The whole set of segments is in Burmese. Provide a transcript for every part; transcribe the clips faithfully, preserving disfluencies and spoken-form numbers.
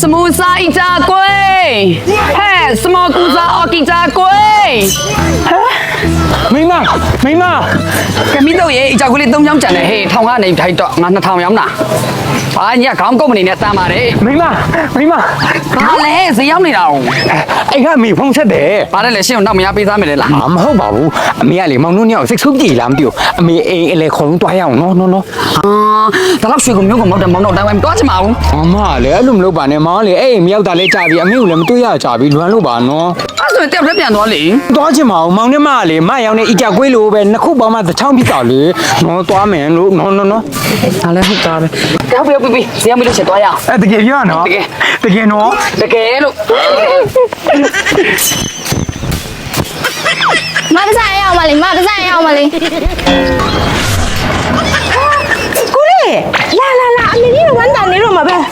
smooth စာ一扎龟，嘿，什么古早奥吉扎龟？ မိမမိမကမီတော့ရေအကြောက်ကလေးသုံးချောင်းကြံတယ်ဟေးထောင်ကနေထိုက်တော့ငါနှစ်ထောင်ရောင်းတာဘာညခေါင်းကုတ်မနေနဲ့တမ်းပါတယ်မိမမိမဘာလဲဈေးရောက်နေတာအောင်အဲ့ကမိဖုန်းဆက်တယ်ဘာလဲလဲရှင်းအောင်နောက်မရပေးသားမယ်လေလားမဟုတ်ပါဘူးအမေကလေမောင်တို့ညောင်စိတ်ဆိုးကြည်လားမသိဘူးအမေအိမ်အလေခုံတွားရအောင်နော်နော်နော်ဟာဒါတော့ရွှေကုန်မျိုးကုန်မောက်တယ်မောင်တော့တိုင်းဝိုင်းတွားချင်ပါဘူးအမလေအဲ့လိုမလုပ်ပါနဲ့မောင်ကလေအဲ့အိမ်မရောက်တာလဲကြာပြီအမေကိုလည်းမတွေ့ရကြာပြီလွမ်းလို့ပါနော်အဲ့ဆိုရင်တက်ရက်ပြန်သွားလေတွားချင်ပါအောင်မောင်နဲ့မကလေမရောင်နဲ့အကြကွေးလိုပဲနှစ်ခုပေါင်းမှတစ်ချောင်းဖြစ်တော့လေနော်တွားမယ်လို့နော်နော်နော်ဒါလည်းဟုတ်တာပဲကြောက်ပြပြပြဈေးရောက်ပြီလို့ချက်တွားရအောင်အဲ့တကယ်ပြောရနော်တကယ်တကယ်နော်တကယ်လို့မပစားရအောင်မလေးမပစားရအောင်မလေးကိုလေးလာလာလာအမေကြီးဝမ်းတန်နေတော့မှာပဲလာ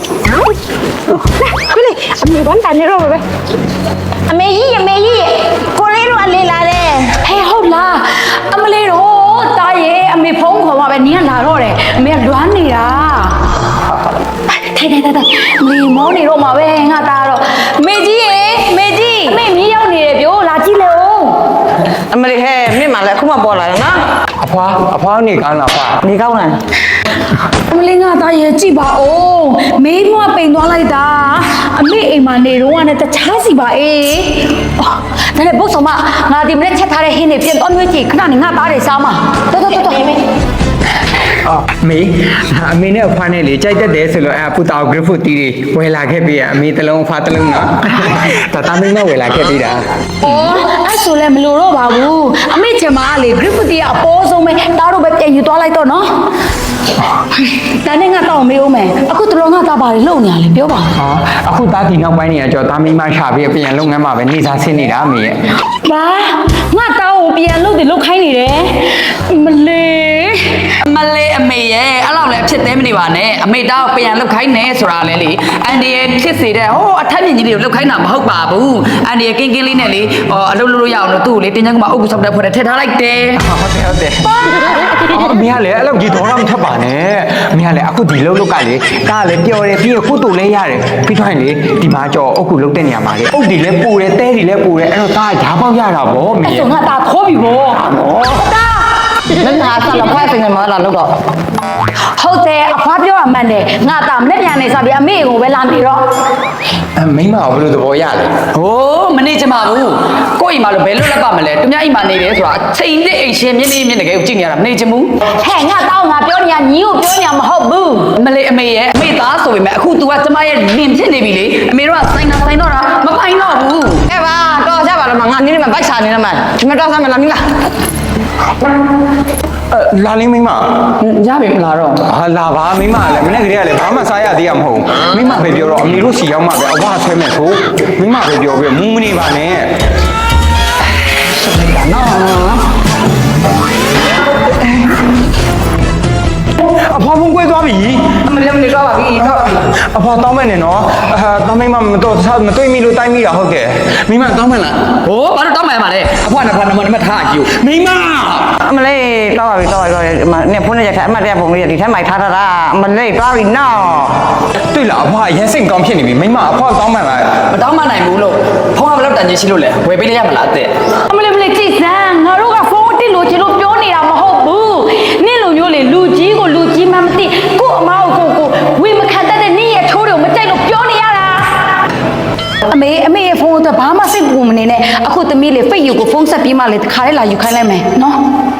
ကိုလေးအမေဝမ်းတန်နေတော့မှာပဲအမေကြီးအမေကြီးကိုလေးတို့အလေးလာတယ်ဟဲ့ဟုတ်လားအမလေးတော့တားရဲ့အမေဖုန်းခေါ်မှာပဲနင်းကလာတော့တယ်အမေကလွမ်းနေတာထိုင်ထိုင်ထိုင်အမေမောနေတော့မှာပဲငါတားတော့မေကြီးရေမေကြီးအမေမီးရောက်နေတယ်ပြောလာကြည့်လေဦးအမလေးဟဲ့မြင့်မှလည်းအခုမှပေါ်လာတယ်နော်အဖွာအဖွာနေကောင်းလားဖွာနေကောင်းလားအမလေးငါတားရဲ့ကြည့်ပါဦးမေးမွားပိန်သွားလိုက်တာအမေအိမ်မှာနေတော့ကလည်းတခြားစီပါအေးဒါနဲ့ဘုတ်ဆောင်မငါဒီမနေ့ချက်ထားတဲ့ဟင်းတွေပြန်တော့မျိုးကြည့်ခဏနေငါတားတယ်စားမတော်တော်တော်တော်အော်မေအမေနဲ့အဖွာနဲ့လေကြိုက်တတ်တယ်ဆိုလို့အဲ့ပူတာဂရဖူတီတွေဝယ်လာခဲ့ပြီအမေတလုံးအဖွာတလုံးနော်တတမင်းမဝယ်လာခဲ့ပြီတာ။အော်အဲ့ဆိုလည်းမလိုတော့ပါဘူး။အမေချင်မလေ graffiti ကအပေါ်ဆုံးပဲတားတော့ပဲပြန်ယူသွားလိုက်တော့နော်။ဒါနဲ့ငါတော့မေးဦးမယ်။အခုတော်ငါတားပါတယ်လုံနေရလေပြောပါဦးဟောအခုတားတီနောက်ပိုင်းနေရကြောတာမင်းမရှာပြီးပြန်လုပ်ငန်းမှာပဲနေစားဆင်းနေတာအမေရဲ့။ဘာငါတောင်းကိုပြန်လုပ်တယ်လုပ်ခိုင်းနေတယ်။မလေးမလေးအမေရဲ့အဲ့လောက်လည်းဖြစ်သေးမနေပါနဲ့အမေတောက်ပြန်လုတ်ခိုင်းနေဆိုတာလေလေအန်ဒီရဲ့ဖြစ်စေတဲ့ဟိုအထက်မြင့်ကြီးလေးကိုလုတ်ခိုင်းတာမဟုတ်ပါဘူးအန်ဒီရဲ့ကင်းကင်းလေးနဲ့လေဟောအလုပ်လုပ်လို့ရအောင်လို့သူ့ကိုလေတင်းချမ်းကမအုပ်ကူဆောက်တဲ့ဖွဲ့ထည့်ထားလိုက်တယ်ဟုတ်တယ်ဟုတ်တယ်အမေကလည်းအဲ့လောက်ကြီးတော့မထပ်ပါနဲ့အမေကလည်းအခုဒီလုံးလုတ်ကလေတားလည်းပျော်တယ်ပြီးတော့ခုတူလည်းရတယ်ပြီးတော့လေဒီမှာကြောအုပ်ကူလုတ်တဲ့နေရာမှာလေအုပ်ဒီလည်းပူတယ်တဲဒီလည်းပူတယ်အဲ့တော့တားဓာပေါက်ရတာဗောအမေအဲ့ဆိုငါတားခေါ်ပြီဗောတာမင်းဟာဆက်လက်ဖိုက်ပင်မှာလာလို့တော့ဟုတ်တယ်အဖွားပြောရမှန်တယ်ငါတားမနေ့ပြန်နေစားပြီးအမေကိုပဲလာနေတော့အမိမကဘယ်လိုသဘောရလဲဟိုးမနေချင်ပါဘူးကိုယ့်အိမ်မှာလို့ဘယ်လိုလက်ပါမလဲသူများအိမ်မှာနေတယ်ဆိုတာချိန်သစ်အိမ်ရှင်မြင်းနေမြင်းတကယ်ကိုကြည့်နေရတာမနေချင်ဘူးဟဲ့ငါတောင်းငါပြောနေရညီကိုပြောနေရမဟုတ်ဘူးမလေးအမေရဲ့အမေသားဆိုပေမဲ့အခု तू ကကျမရဲ့လင်ဖြစ်နေပြီလေအမေတို့ကစိုင်းတာစိုင်းတော့တာမပိုင်တော့ဘူးဟဲ့ပါတော့ကြပါလားမငါနင်းနေမှာဘိုက်ချနေတယ်မှာဒီမှာတော့ဆမ်းမလားနင်းလားအဲလာလေးမိမရပြီမလားတော့ဟာလာပါမိမလည်းမနေ့ကတည်းကလည်းဘာမှစားရသေးရမဟုတ်မိမပဲပြောတော့အမေတို့စီရောက်မှပဲအဝဆွဲမဲ့ဆိုမိမပဲပြောပြီးမူးမနေပါနဲ့အဖေါ်ဖုန်းကွဲသွားပြီအမလေးမနေတော့ပါပြီတော့အဖေါ်တောင်းမဲ့နေနော်အာတောင်းမိမမတော့မတွေ့မိလို့တိုင်းမိတာဟုတ်ကဲ့မိမတောင်းမဲ့လားဟိုးဘာလို့တောင်းမှန်ပါလဲအဖွားနဲ့ဖွားနမနမထားကြည့်မိမအမလေးတော့ပါပြီတော့ပါပြီနေဖုန်းနဲ့ရက်ထားအမတ်တရပုံလေးဒီထဲမှာထားထားတာအမလေးတော့ပြီနော်တွေ့လားအဖေါ်ရန်စိတ်ကောင်းဖြစ်နေပြီမိမအဖေါ်တောင်းမဲ့လားမတောင်းမှနိုင်ဘူးလို့ဖုန်းကဘယ်လောက်တန်ကြီးရှိလို့လဲဝယ်ပေးလိုက်ရမလားတဲ့အမလေးမလေးကြည့်စမ်းငါတို့ကဖုန်းတစ်လို့ချင်လို့ပြောနေတာမဟုတ်ဘူးနင့်လိုမျိုးလေလူကြီးကိုလူကြီးမှမသိကို့အမားကိုကိုကိုဝေမခံတတ်တဲ့နင့်ရဲ့ထိုးတွေကိုမကြိုက်လို့ပြောနေရတာအမေအမေရဲ့ဖုန်းတော့ဘာမှစိတ်ပူမနေနဲ့အခုသမီးလေးဖိတ်ယူကိုဖုန်းဆက်ပြီးမှလေခါရဲလာယူခိုင်းလိုက်မယ်နော်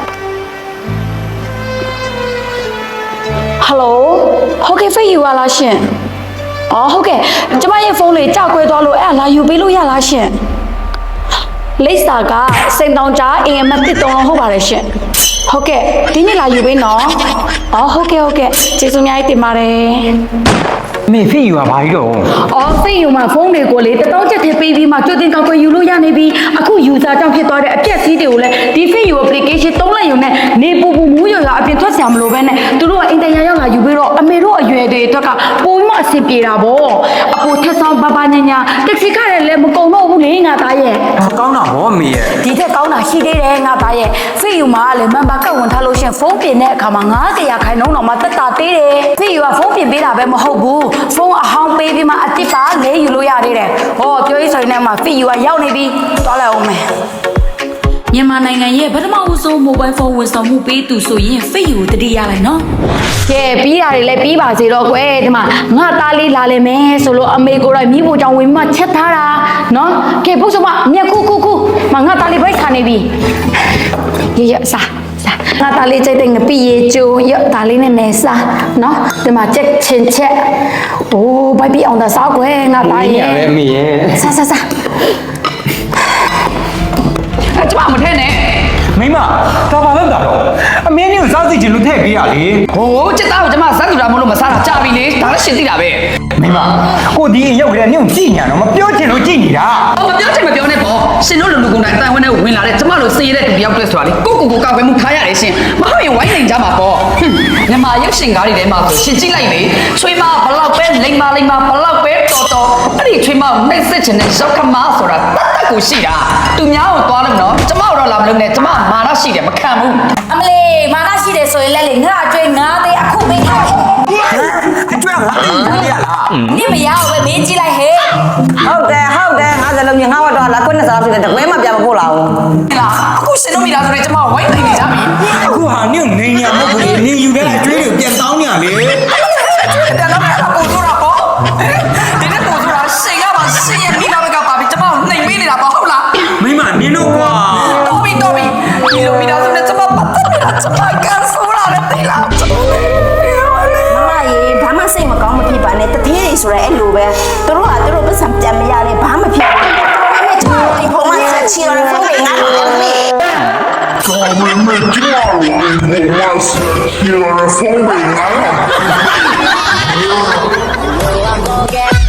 ဟယ်လိုဟုတ်ကဲ့ဖိတ်ယူရလားရှင်အော်ဟုတ်ကဲ့ကျမရဲ့ဖုန်းလေးကြောက်ကွဲသွားလို့အဲ့ဒါလာယူပေးလို့ရလားရှင်လိပ်စာကစိန်တောင်ကြားအင်အမတ်တစ်တုံးလုံးဟုတ်ပါတယ်ရှင်ဟုတ်ကဲ့ဒီနေ့လာယူပေးနော်အော်ဟုတ်ကဲ့ဟုတ်ကဲ့ကျေးဇူးအများကြီးတင်ပါတယ်မေဖေးယူတာဘာကြီးတော့အော်ဖိတ်ယူမှာဖုန်းတွေကိုလေတတောင်းချက်ထည့်ပေးပြီးမှကြိုတင်ကောက်ွယ်ယူလို့ရနေပြီအခု user ကြောင့်ဖြစ်သွားတဲ့အပြက်စီးတွေကိုလည်းဒီဖိတ်ယူ application သုံးလိုက်ရုံနဲ့နေပူပူမူးရရအပြင်ထွက်ဆရာမလိုပဲနဲ့သူတို့ကအင်တန်ရရောက်လာယူပြီးတော့အမေတို့အရွယ်တွေအတွက်ကပိုပြီးမှအဆင်ပြေတာဗောအပိုထက်ဆောင်ဘာဘာညာညာတက်စီခရလည်းမကုံတော့ဘူးလေငါသားရဲ့ကောင်းတာဗောမေရဲ့ဒီထက်ကောင်းတာရှိသေးတယ်ငါသားရဲ့ဖိတ်ယူမှာလည်းမန်ပါကတ်ဝင်ထားလို့ရှင်ဖုန်းပြင်တဲ့အခါမှာငါးဆယ်ရာခိုင်နှုန်းတော့မှတက်တာသေးတယ်ဖိတ်ယူကဖုန်းပြင်ပေးတာပဲမဟုတ်ဘူးဖုန်းအဟောင်းပေးပြီးမှအတစ်ပါလဲယူလို့ရသေးတယ်ဟောပြောရေးဆိုရင်လည်းမှ fit you ကရောက်နေပြီသွားလိုက်အောင်မယ်မြန်မာနိုင်ငံရဲ့ပထမဦးဆုံး mobile phone ဝန်ဆောင်မှုပေးသူဆိုရင် fit you ကိုတတိရလိုက်နော်ကဲပြီးတာတွေလည်းပြီးပါစေတော့ကွယ်ဒီမှာငါသားလေးလာလိမ့်မယ်ဆိုလို့အမေကိုယ်တိုင်မိဖို့ကြောင့်ဝင်မှချက်ထားတာနော်ကဲပုတ်စမမြက်ခုခုခုမငါသားလေးဘိုက်ခါနေပြီရရစားငါသားလေးကြိုက်တဲ့ငပိရေကျိုးရသားလေးနဲ့နေစားနော်ဒီမှာချက်ချင်းချက်အိုးဘိုက်ပြီးအောင်သာစားကွယ်ငါသားရဲ့ပဲအမေရဲ့စားစားစားအဲ့ကျမမထဲနဲ့မိမဒါပါလို့တာတော့အမင်းကြီးကိုစားစီချင်လို့ထည့်ပေးရလေဟိုစစ်သားကိုကျမစမ်းသူတာမလို့မစားတာကြာပြီလေဒါလည်းရှင်းသိတာပဲမိမကိုဒီရုပ်ကလေးနင့်ကိုကြည့်ညာတော့မပြောချင်လို့ကြည့်နေတာဟောမပြောချင်မပြောနဲ့ပေါ့ရှင်တို့လူလူကုန်တိုင်းတိုင်ဝန်းထဲဝင်လာတဲ့ကျမတို့စေရတဲ့သူတယောက်တည်းဆိုတာလေကိုကိုကိုကောက်ွယ်မှုထားရတယ်ရှင်မဟုတ်ရင်ဝိုင်းနေကြမှာပေါ့မြန်မာရုပ်ရှင်ကားတွေထဲမှာဆိုရှင်ကြည့်လိုက်လေချွေးမဘလောက်ပဲလိမ္မာလိမ္မာဘလောက်ပဲတော်တော်အဲ့ဒီချွေးမကိုနှိပ်စက်ချင်တဲ့ရောက်ခမဆိုတာတတ်တတ်ကိုရှိတာသူများကိုသွားလို့နော်ကျမတို့တော့လာမလို့နဲ့ကျမမာနရှိတယ်မခံဘူးအမလေးမာနရှိတယ်ဆိုရင်လည်းလေငါအကျွေးငါသေးအခုပေးထားတယ်အကျွမ်းငါအေးရလား你们要不没进来嘿？ ဟုတ်တယ်ဟုတ်တယ်ငါစလုံးကြီးငါဝတ်တော့လာခွနဲ့စားဖြစ်တယ်တကွဲမှပြန်မပို့လာဘူးလာအခုရှင်တို့မိသားစုတွေကျမဝိုင်းနေကြပြီအခုဟာနင့်နေညာမဟုတ်ဘူးနင်ယူတဲ့အကျွေးတွေပြန်တောင်းညာလေတယ်တော့အဲ့ဒါကိုဆိုတာပေါ့ဒီနေ့ကိုဆိုတာရှင်ကပါရှင်ရဲ့မိသားစုကပါပြီကျမကိုနှိမ်ပေးနေတာပေါ့ဟုတ်လားမိမနင်တို့ကွာတော်ပြီတော်ပြီဒီလိုမိသားစုနဲ့ကျမပတ်သက်နေတာကျမကန်ဆိုတာလည်းသိလားကျမမမရေဘာမှစိတ်မကောင်းမဖြစ်ပါနဲ့တတိယဆိုရဲအဲ့လိုပဲသူတို့ကသူတို့ပတ်စံပြန်မရလဲဘာမှဖြစ်ဘူးအမေချောင်းဒီဖုန်းမဆက်ချီရဖုန်းလေးငါ့ကိုလည်းမေး Come me claro, digo más, quiero la forma y nada.